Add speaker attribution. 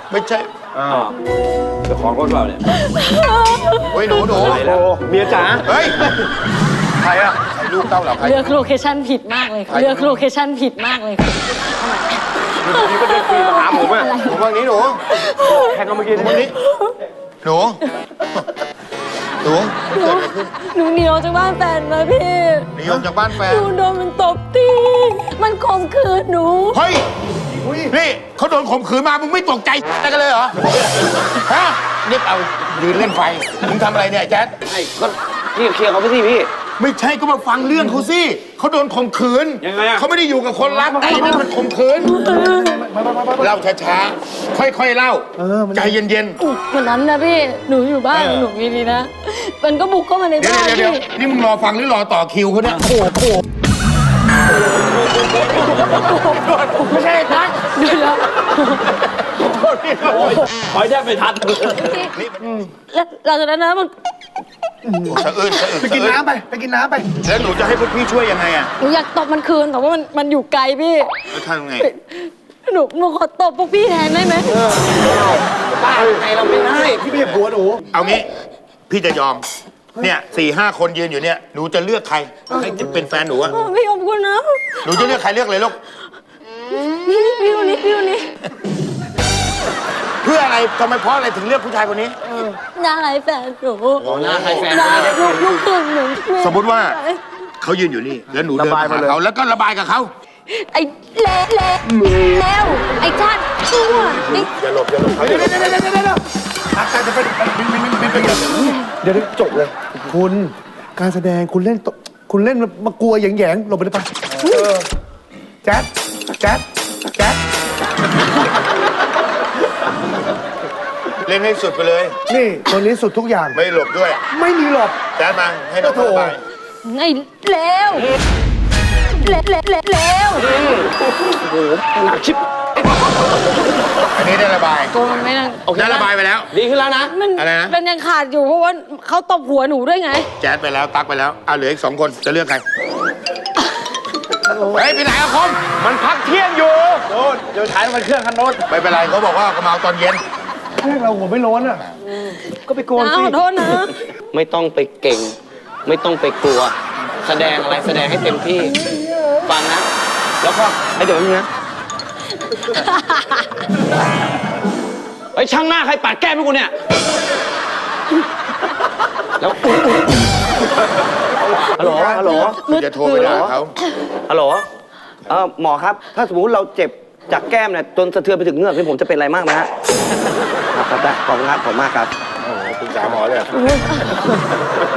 Speaker 1: ไม่ใช่
Speaker 2: เจ้าของรถเราเนี่ย
Speaker 1: เฮ้ยหนู
Speaker 2: โอ้เมียจ๋า
Speaker 1: เฮ้ยใครอะใครลูกเต้าเหรอใคร
Speaker 3: เลือกโลเคชั่นผิดมากเลยค่ะเลือกโลเคชั่นผิดมากเลยค่ะ
Speaker 2: นี่ก็เดินปีมาหาผมอ่ะ
Speaker 1: หนูว่างี้หนู
Speaker 2: แทงกันเมื่อกี้
Speaker 1: หนูว่างี้หนูหนูเกิดอะไรขึ้น
Speaker 3: หนูหนีออกจากบ้านแฟนมาพี่
Speaker 1: หนีออกจากบ้านแฟน
Speaker 3: หนูโดนมันตบตีมันข่มขืนหนู
Speaker 1: เฮ้ยนี่เขาโดนข่มขืนมามึงไม่ตกใจอะไรกันเลยเหรอฮะนี่เอายืนเล่นไฟมึงทำอะไรเนี่ยแจ๊ด
Speaker 2: ไอ้ก็พี่เคลียร์เขาไปสิพี่
Speaker 1: ไม่ใช่ก็มาฟังเรื่องเขาสิเขาโดนข่มขืน
Speaker 2: ยังไงอะ
Speaker 1: เขาไม่ได้อยู่กับคนรักแต่นั่นมันข่มขืนเล่าช้าๆค่อยๆเล่าใจเย็นๆ
Speaker 3: วันนั้นนะพี่หนูอยู่บ้านหนูดีๆนะมันก็บุกเข้ามาใน
Speaker 1: เดี๋ยว
Speaker 3: บ้าน
Speaker 1: เดี๋ยว
Speaker 3: พี่
Speaker 1: นี่มึงรอฟังหรือรอต่อคิวเขาเนี่ยโอ้โหไม่ใช่ทัก
Speaker 3: เดี๋ยว
Speaker 2: ขอให้ได้ไปทัน
Speaker 3: แล้วหลังจากนั้นนะมัน
Speaker 1: สะอื้น
Speaker 4: ไปกินน้ำไป ไปกินน้ำไป
Speaker 1: แล้วหนูจะให้พวกพี่ช่วยยังไงอ่ะ
Speaker 3: หนูอยากตบมันคืนแต่ว่ามันอยู่ไกลพี่
Speaker 1: แล้วทำยังไง
Speaker 3: หนูขอตบพวกพี่แทนได้ไหม
Speaker 2: บ้าไงเราไม่ได้
Speaker 4: พี่ไม่ใช่ผัวหนู
Speaker 1: เอางี้พี่จะยอมเนี่ย4-5 คนยืนอยู่เนี่ยหนูจะเลือกใครให้เป็นแฟนหนูอะ
Speaker 3: พี่ขอบคุณนะ
Speaker 1: หนูจะเลือกใครเลือกเลยลูก
Speaker 3: พี่คนนี้พี่คนนี้
Speaker 1: เพื่ออะไรทำไมเพราะอะไรถึงเลือกผู้ชายคนนี้
Speaker 3: หน้าใครแฟนหนู
Speaker 2: หน้าใครแฟน
Speaker 3: หน้าลูกครึ่งหนู
Speaker 1: สมมุติว่าเขายืนอยู่นี่แล้วหนูเดินมาหาเขาแล้วก็ระบายกับเขา
Speaker 3: ไอ้เละแล้วไอ้ชาติชั่วไอ้
Speaker 1: อย่าหลบอย่าหลบเขา
Speaker 4: เดี๋ยวอาจารย์จะเป็นเดี๋ยวจบเลย คุณการแสดงคุณเล่นคุณเล่นมากลัวแหยงๆหลบไปได้ปะแจ๊ดแจ๊ดแจ๊ด
Speaker 1: เล่นให้สุดไปเลย
Speaker 4: นี่ตัวนี้สุดทุกอย่าง
Speaker 1: ไม่หลบด้วย
Speaker 4: ไม่มีหลบ
Speaker 1: แจ๊ดมาให้น้องระบาย
Speaker 3: ไอ้แล้วแล้ว
Speaker 2: หนักชิบ
Speaker 1: อันนี้ได้ระบาย
Speaker 3: โกมันไม่นั่ง
Speaker 1: ได้ระบายไปแล้ว
Speaker 2: ดีขึ้นแล้วนะ
Speaker 3: มัน
Speaker 1: อะไรนะ
Speaker 3: มันยังขาดอยู่เพราะว่าเขาตบหัวหนูด้วยไง
Speaker 1: แจ๊ดไปแล้วตักไปแล้วเอาเหลืออีก2 คนจะเลือกใครเฮ้ยไปไหนอะคม
Speaker 2: มันพักเที่ยงอยู่โน่นเดี๋ยวถ่ายมันเครื่องคันโน้น
Speaker 1: ไม่เป็นไรเขาบอกว่าเขามาเอาตอนเย็น
Speaker 4: แค่เราหัวไม่ร้อนอ่ะ ก็ไปโกน
Speaker 3: นะ
Speaker 4: สิ
Speaker 3: ขอโทษนะ
Speaker 2: ไม่ต้องไปเก่ง ไม่ต้องไปกลัว แสดงอะไรแสดงให้เต็มที่ ฟังนะ แล้วก็ไอ้เดี๋ยวนี้นะไอ้ช่างหน้าใครปาดแก้มให้กูเนี่ย แล้วฮัลโหลฮัลโหล
Speaker 1: คุณจะโทรไปด่าเขา
Speaker 2: ฮัลโหลหมอครับ ถ้าสมมติเราเจ็บจากแก้มเนี่ยจนสะเทือนไปถึงเงือกนี่ผมจะเป็นอะไรมากไหมฮะครับได้ขอบคุณครับขอบคุณมากครับ
Speaker 1: โอ้โหปรึกษาหมอเลย